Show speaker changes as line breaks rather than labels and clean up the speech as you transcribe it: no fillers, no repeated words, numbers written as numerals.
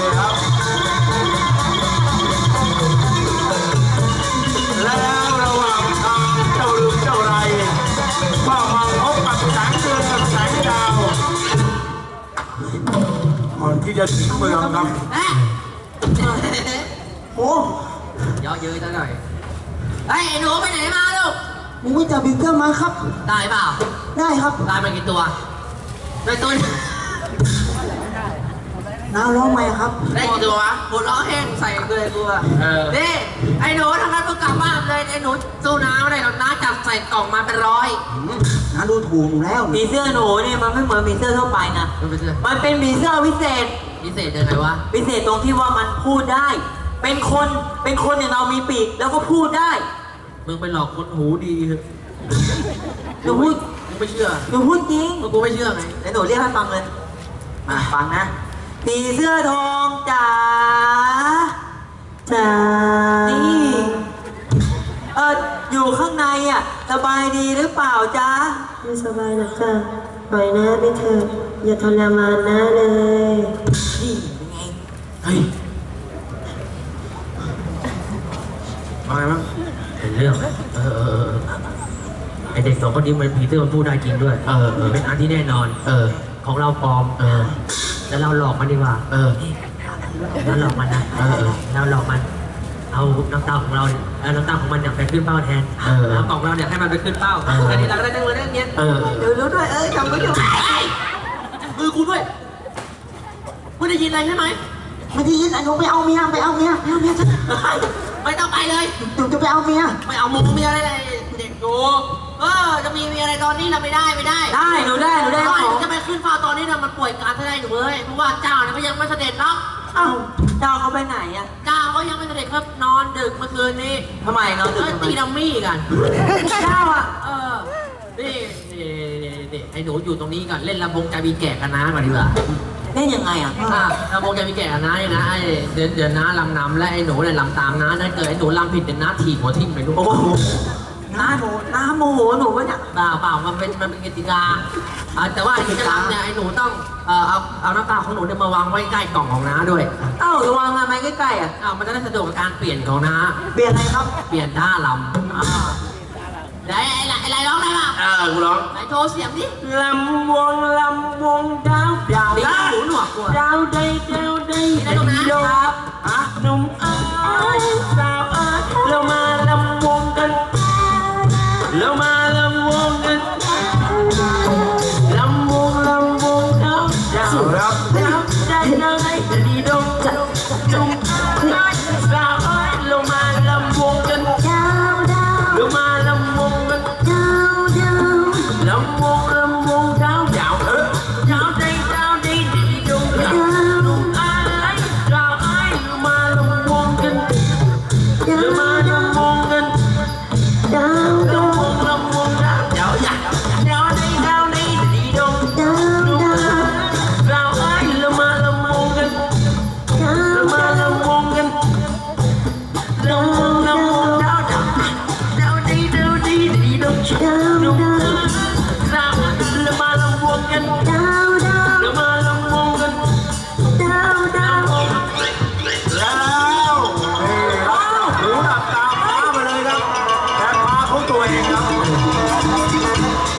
นี่ครับแล้วระหว่างทางเจ้าลืมเจ้าไรก็มาพบกับแสงเดือนกับแสงดาวก่อนที่จะถึงเมืองครับ
โอ้
เยอะเย้ยซะหน่อยไอ้หนูไปไหนมาลูก
มึงไม่จับบิ๊กเกอร์มาครับ
ได้เปล่า
ได้ครับ
ได้มากี่ตัวได้ตัว
น้าร้องไหมครับ
ได้กี่ตัววะหมดล้อแห้งใส่เลยกูอะนี่ไอ้หนูทำงานต้องกลับบ้านเลยไอ้หนูสู้น้าไม่ได้หรอกน้าจับใส่กล่องมาเป็นร้อย
น้าดูถูกหนูแล้ว
ผีเสื้อหนูเนี่ยมันไม่เหมือนผีเสื้อทั่วไปนะ
มันเป็นเสื้อ
มันเป็นผีเสื้อวิเศษ
พิเศษยังไงวะ
พิเศษตรงที่ว่ามันพูดได้ เป็นคนอย่างเรามีปีกแล้วก็พูดได้
มึงไปหลอกคนหูดีเถอะ
หนูพูด
มึงไม่เชื่อ
หนูพูดจริง
มึงกูไม่เชื่อไง
เดี๋ยวหนูเรียกให้ฟังเลยมาฟังนะผีเสื้อทองจ๋านี่อยู่ข้างในอ่ะสบายดีหรือเปล่าจ๊ะ
ไม่สบายหรอกจ้ะปล่อยนะไปเถอะอย่าทรมานนะเลย
นี่เป็นไง
เฮ้ยอะไรมั้งเป็นเรื่องไอเด็กสองคนนี้มันผีเสื้อมันพูดได้จริงด้วยเป็นอันที่แน่นอนของเราปลอมแล้วเราหลอกมันดีกว่าแล้วหลอกมันนะเราหลอกมันเอาน้ำตาของเราน้ำตาของมันเนี่ยไปขึ้นเป้าแทนเอากล่องเราเนี่ยให้มันไปขึ้นเป้าอันนี้เราก็ได้เงินได้เงี้ย
เดี๋ยวรู้ด้วยจำไว้อยู่
มือกูด้วยมึงได้ยินอะไรใช่ไหม
ไม่ได้ยินไอ้หนูไปเอาเมียไปเอาเมียฉัน
ไม่ต้องไปเลย
หนูจะไปเอาเมีย
ไม่เอาเมียอะไรเลยเด็กดูจะมีเมียอะไรตอนนี้เราไม่ได้
ได้หนูได้ของ
จะไปขึ้นเฝ้าตอนนี้เนี่ยมันป่วยการแสดงอยู่เลยเพราะว่าเจ้าเนี่ยก็ยังไม่เสด็จเนาะ
อ้าวเจ้าเขาไปไหนอ่ะ
เจ้าก็ยังไม่เสด็จครับนอนดึกเมื่อคืนนี้
ทำไมนอนดึกทำไม
ตีดัมมี่กัน
เจ้าอ่ะ
นี่ไอ้หนูอยู่ตรงนี้ก่อนเล่นลำวงใจมีแก่กันนะมาดีกว่า
เล่นยังไงอ่ะ
ลำวงใจมีแก่กันนะเนี่ยนะไอ้เดี๋ยวน้าลำนำและไอ้หนูเนี่ยลำตามน้าถ้าเกิดไอ้หนูลำผิดเดี๋ยวน้าถีบหัวทิ่มไปลูก
โอ้โหน้าโมโหหนูปะเนี่ย
เปล่ามันเป็นกติกาแต่ว่าไอ้ที่จะลำเนี่ยไอ้หนูต้องเอาน้ำตาของหนูเนี่ยมาวางไว้ใกล้กล่องของน้าด้วย
เอ้าระวังทำไมใกล้ๆอ่ะ
มันจะได้สะดวกกับการเปลี่ยนของน้า
เปลี่ยนอะไรครับ
เปลี่ยนท่าลำไอ้ไรร้องได้ป่ะ
กูร้อง
ไหนโชว์เสียงดิ
ลำวงดาวดาว
ดีหูหนวกกว่า
ดาวใด